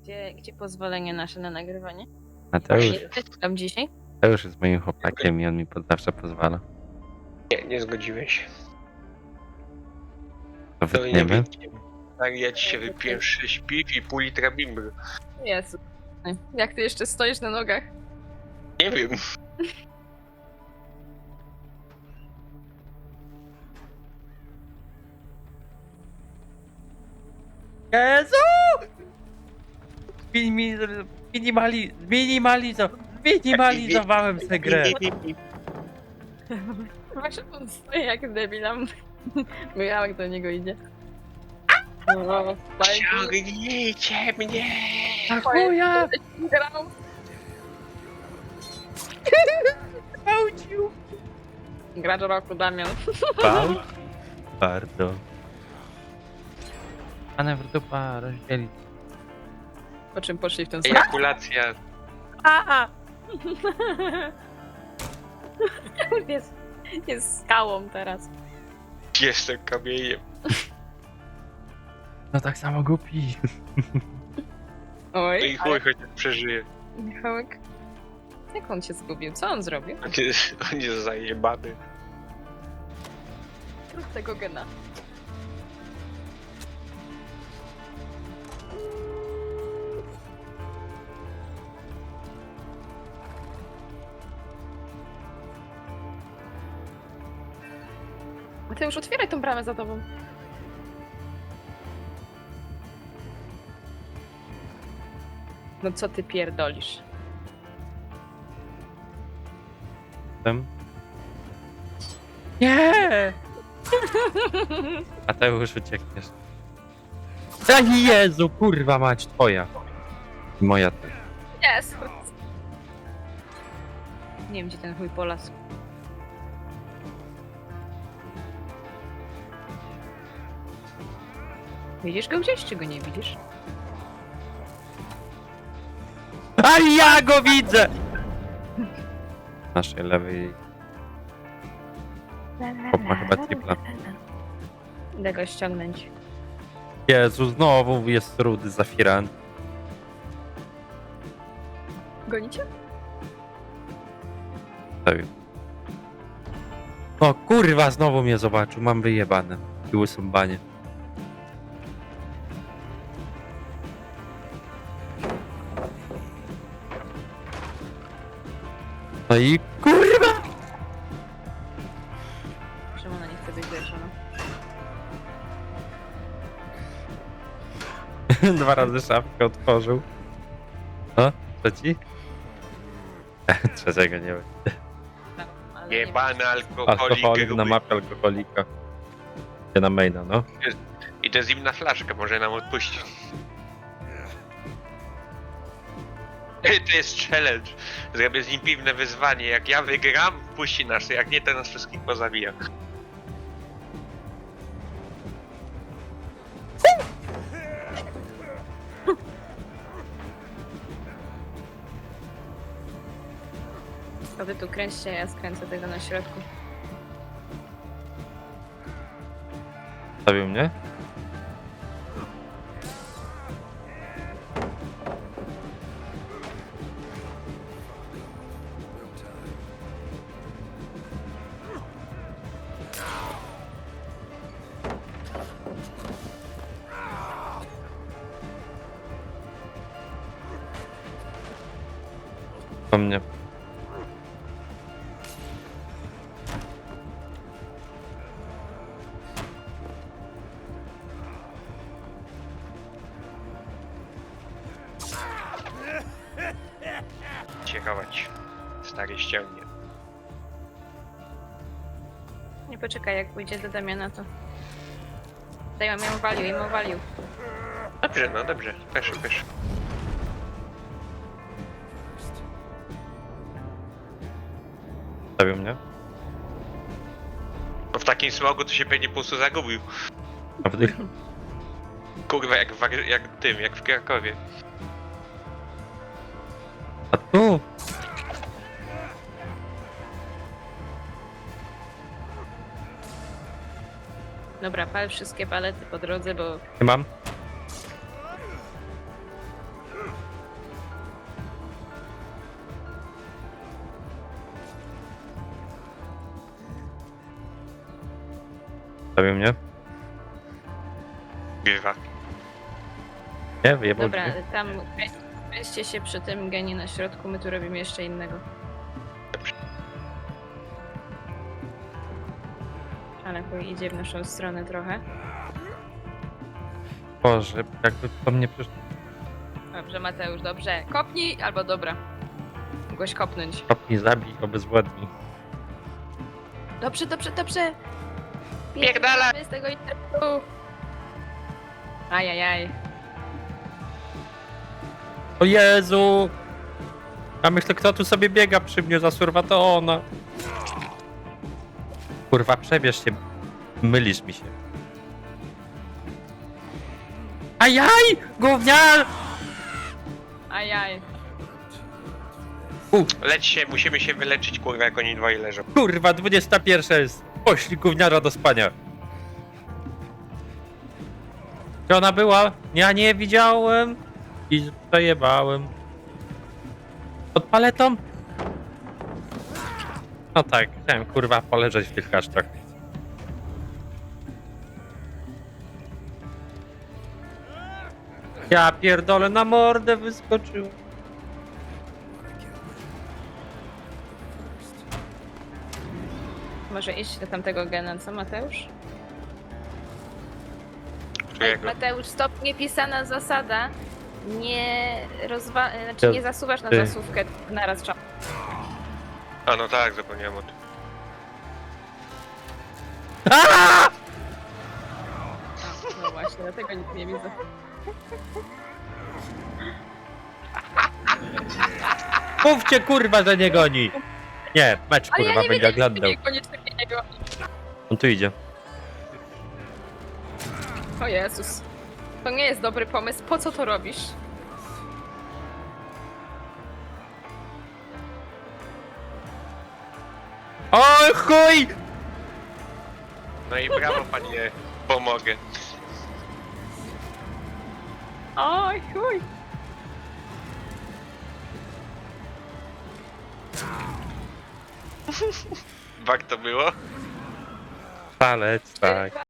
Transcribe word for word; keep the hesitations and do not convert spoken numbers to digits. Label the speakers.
Speaker 1: Gdzie, gdzie pozwolenie nasze na nagrywanie?
Speaker 2: Mateusz,
Speaker 1: Jesteś tam dzisiaj?
Speaker 2: Mateusz jest moim chłopakiem i on mi pod zawsze pozwala.
Speaker 3: Nie, nie zgodziłeś.
Speaker 2: To
Speaker 3: To nie
Speaker 2: wytniemy?
Speaker 3: wiem. Tak, ja ci się wypiłem sześć piw i pół litra bimbry.
Speaker 1: Jezu. Jak ty jeszcze stoisz na nogach?
Speaker 3: Nie wiem.
Speaker 2: Jezu! Minimali... Minimali... Minimalizo... Minimalizowałem tę grę.
Speaker 1: Właśnie on stoi jak debilam. Michałek do niego idzie. O, fajnie.
Speaker 3: Ciągnijcie mnie!
Speaker 2: A chuja!
Speaker 1: Grał.
Speaker 2: Gwałcił!
Speaker 1: Gracz roku Damian.
Speaker 2: Gwałt? Bardzo. Pane w dupa rozdzielić.
Speaker 1: Po czym poszli w ten sam?
Speaker 3: Ejakulacja.
Speaker 2: A!
Speaker 1: jest, jest skałą teraz.
Speaker 3: Jestem kamieniem.
Speaker 2: No tak samo głupi.
Speaker 1: Oj,
Speaker 3: No i chuj, chociaż przeżyje.
Speaker 1: Michałek. Jak on się zgubił? Co on zrobił?
Speaker 3: On jest, on jest zajebany.
Speaker 1: Zrób tego gena. A ty już otwieraj tą bramę za tobą. No co ty pierdolisz?
Speaker 2: Tam. Nie! Mateusz, uciekniesz. Ani Jezu, kurwa mać, twoja. I moja też.
Speaker 1: Jest! Nie wiem, gdzie ten chuj polasł. Widzisz go gdzieś, czy go nie widzisz?
Speaker 2: A ja go widzę! Naszej lewej. Chłop ma chyba tripla.
Speaker 1: Idę go ściągnąć.
Speaker 2: Jezu, znowu jest rudy Zafiran.
Speaker 1: Gonicie?
Speaker 2: No kurwa, znowu mnie zobaczył, mam wyjebane. I łysą banie. No i kurwa!
Speaker 1: Czemu ona nie chce być leczona?
Speaker 2: Dwa razy szafkę otworzył. O, trzeci? Trzeciego nie wiem.
Speaker 1: Ale nie
Speaker 3: Jebany
Speaker 2: Alkoholik
Speaker 3: alkoholik.
Speaker 2: na
Speaker 3: gruby.
Speaker 2: mapie alkoholika. Nie na maina, no.
Speaker 3: I to jest zimna flaszka, może nam odpuścić. To jest challenge. Zrobię z nim piwne wyzwanie. Jak ja wygram, puści nas. Jak nie, to nas wszystkich pozabija.
Speaker 1: To wy tu kręćcie, ja skręcę tego na środku.
Speaker 2: Stawił mnie? Po mnie.
Speaker 3: Ciekawać. Stary ściągnie.
Speaker 1: Nie poczekaj, jak pójdzie do Damiana, to... Daj, ja ją walił, ją walił.
Speaker 3: Dobrze, no dobrze. Proszę, proszę.
Speaker 2: Stawił mnie?
Speaker 3: No w takim smogu to się pewnie po prostu zagubił.
Speaker 2: A w tych...
Speaker 3: Kurwa, jak w, War- jak tym, jak w Krakowie.
Speaker 2: A tu!
Speaker 1: Dobra, pal wszystkie palety po drodze, bo
Speaker 2: Nie mam? Zostawił mnie.
Speaker 3: Grywa.
Speaker 2: Nie, wyjebał
Speaker 1: Dobra,
Speaker 2: drzwi.
Speaker 1: tam weźcie się przy tym genie na środku, my tu robimy jeszcze innego. Ale chuj idzie w naszą stronę trochę.
Speaker 2: Boże, jakby po mnie przyszło.
Speaker 1: Dobrze, Mateusz, dobrze. Kopnij, albo dobra. Mogłeś kopnąć.
Speaker 2: Kopnij, zabij, obezwładnij.
Speaker 1: Dobrze, dobrze, dobrze.
Speaker 3: Pierdala!
Speaker 1: Pierdalamy z tego internetu. Ajajaj.
Speaker 2: O Jezu! A myślę, kto tu sobie biega przy mnie za surwa, to ona. Kurwa, przebierz się. Mylisz mi się. Ajaj! Gówniar!
Speaker 1: Ajaj.
Speaker 3: Leć się, musimy się wyleczyć, kurwa, jak oni dwoje leżą.
Speaker 2: Kurwa, dwudziesta pierwsza jest. Poślij gówniara do spania. Gdzie ona była? Ja nie widziałem. I zajebałem. Pod paletą? No tak, chciałem kurwa poleżeć w tych kasztach. Ja pierdolę, na mordę wyskoczył.
Speaker 1: Może iść do tamtego gena, co Mateusz?
Speaker 3: Którego?
Speaker 1: Mateusz, stop, niepisana zasada. Nie rozwa... Znaczy nie zasuwasz na
Speaker 2: Ty.
Speaker 1: zasuwkę naraz czas.
Speaker 3: A no tak, zapomniałem o tym.
Speaker 2: Aaaa!
Speaker 1: No właśnie, dlatego nic nie widzę.
Speaker 2: Mówcie kurwa, że nie goni. Nie, mecz
Speaker 1: Ale
Speaker 2: kurwa
Speaker 1: ja nie
Speaker 2: będzie
Speaker 1: wiedziałem,
Speaker 2: oglądał.
Speaker 1: że koniecznie nie go.
Speaker 2: On tu idzie.
Speaker 1: O Jezus. To nie jest dobry pomysł. Po co to robisz?
Speaker 2: Oj chuj!
Speaker 3: No i brawo, panie, pomogę.
Speaker 1: Oj, chuj.
Speaker 3: Warto było?
Speaker 2: Palec, tak.